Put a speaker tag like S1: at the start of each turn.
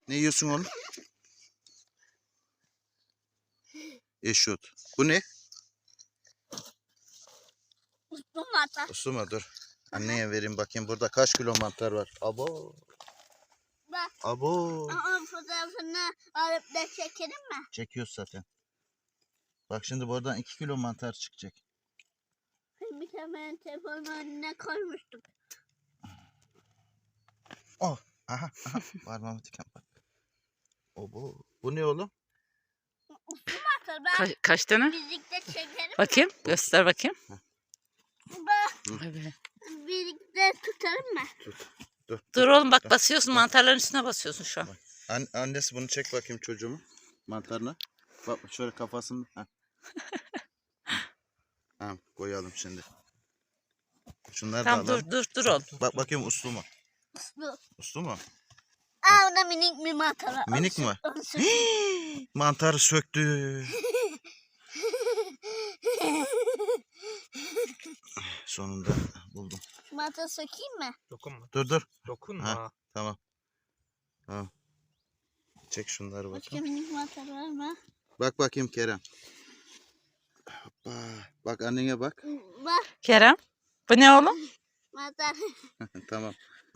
S1: Ne yiyorsun oğlum? Eşot. Bu ne?
S2: Uslu mantar.
S1: Uslu mu? Dur. Anneye vereyim bakayım. Burada kaç kilo mantar var? Abo.
S2: Bak.
S1: Abo.
S2: Onun fotoğrafını alıp da çekelim mi?
S1: Çekiyoruz zaten. Bak şimdi buradan 2 kilo mantar çıkacak.
S2: Bir tane telefonun önüne koymuştuk.
S1: Oh. Aha. Parmağımı diken bak. Abo. Bu ne oğlum?
S2: Uslu mantar. Ben
S3: Kaç tane?
S2: birlikte çekelim.
S3: Bakayım. Göster bakayım.
S2: Bak.
S3: Evet.
S2: Birlikte tutalım mı?
S1: Dur.
S3: Dur oğlum bak basıyorsun. Mantarların üstüne basıyorsun şu an.
S1: Annesi bunu çek bakayım çocuğumu. Mantarına. Bak şöyle kafasını. Ha. Tamam koyalım şimdi. Şunları
S3: Tamam
S1: da alalım.
S3: dur oğlum.
S1: Bak bakayım uslu mu?
S2: Uslu.
S1: Uslu mu?
S2: Aa, o da minik bir mantar var.
S1: Minik mi?
S2: Onu
S1: Mantarı söktü. Sonunda buldum.
S2: mantarı sökeyim mi?
S4: Dokunma.
S1: Dur.
S4: Dokunma.
S1: Ha. Tamam. Tamam. Çek şunları
S2: Başka
S1: bakayım.
S2: minik mantar var mı?
S1: Bak bakayım Kerem. Hoppa. Bak annene bak.
S2: Bak
S3: Kerem. Bu ne oğlum?
S2: mantar.
S1: Tamam.